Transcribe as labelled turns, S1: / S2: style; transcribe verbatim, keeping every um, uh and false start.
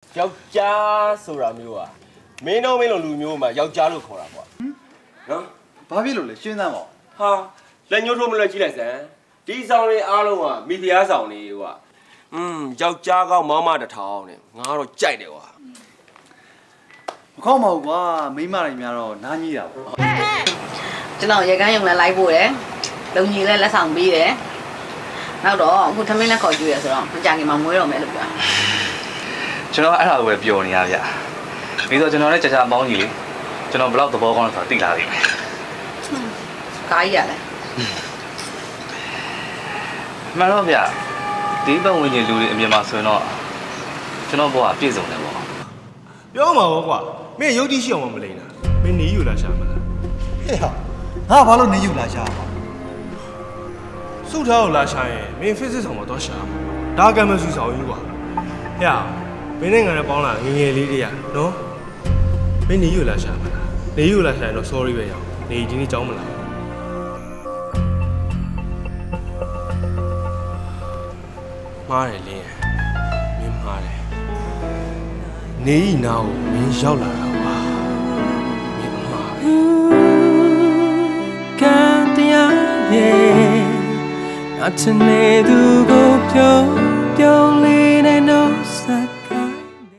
S1: ယောက်ျားဆိုတာမျိုးอ่ะမင်းတို့မင်းလိုလူမျိုးမှာယောက်ျားလို့ခေါ်တာပေါ့နော်
S2: ဘာဖြစ်လို့လဲရှင်းသမ်းပါ
S1: ဟာလက်ညှိုးထိုးမလွယ်ကြည့်လိုက်စမ်းဒီဆောင်လေးအားလုံးကမိဖုရားဆောင်လေးကွာอืมယောက်ျားကောင်းမောင်းမတစ်ထောင်နဲ့ငါတော့ကြိုက်တယ်ကွာ
S2: မခေါက်မဟုတ်ကွာမိမတွေများတော့နားကြီးတာပေါ့
S3: ကျွန်တော်ရေကန်းရုံနဲ့လိုက်ဖို့တယ်လုံကြီးလည်းလက်ဆောင်ပေးတယ်နောက်တော့အခုသမင်းလက်ခေါ်ကြည့်ရဆိုတော့မကြခင်မှာမွေးတော့မယ်လို့ပြော
S4: ကျွန်တော်အဲ့ဒါကိုပဲပျော်နေရဗျပြီးတော့ကျွန်တော်လည်းကြာကြာမောင်းကြီးလေကျွန်တော်ဘယ်လောက်သဘောကောင်းလဲဆိုတာသိလာပြီမယ်
S3: ကားကြီးရတယ်
S4: မှန်တော့ဗျဒီပတ်ဝန်းကျင်လူတွေအမြင်မှာဆိုရင်တော့ကျွန်တော်ဘဝပြည့်စုံတယ်ပေါ့
S5: ပြောမှာပေါ့ကွာမင်းရုပ်တိရှိအောင်မလိမ့်တာမင်းနေယူလာရှာမလား
S2: ဟဲ့ဟာငါဘာလို့နေယူလာရှာပါ
S5: စုထားကိုလာရှာရင်မင်း physics ဆောင်မှာတော့ရှာဒါကမှစုဆောင်ကြီးကွာဟဲ့မင်းနဲ့ငါနဲ့ပေါင်းလာငငယ်လေးတည်းရနော်မင်းနေယူလာရှာမလားနေယူလာရှာရင်တော့ sorry ပဲရအောင်နေဒီနေ့ကြောင်းမလားမားတယ်လင်းမင်းမားတယ်နေဤနာကိုမင်းရောက်လာတာပါမင်းမား
S6: ကန်တရားရဲ့အထနေသူကိုပြုံးပြုံးလေး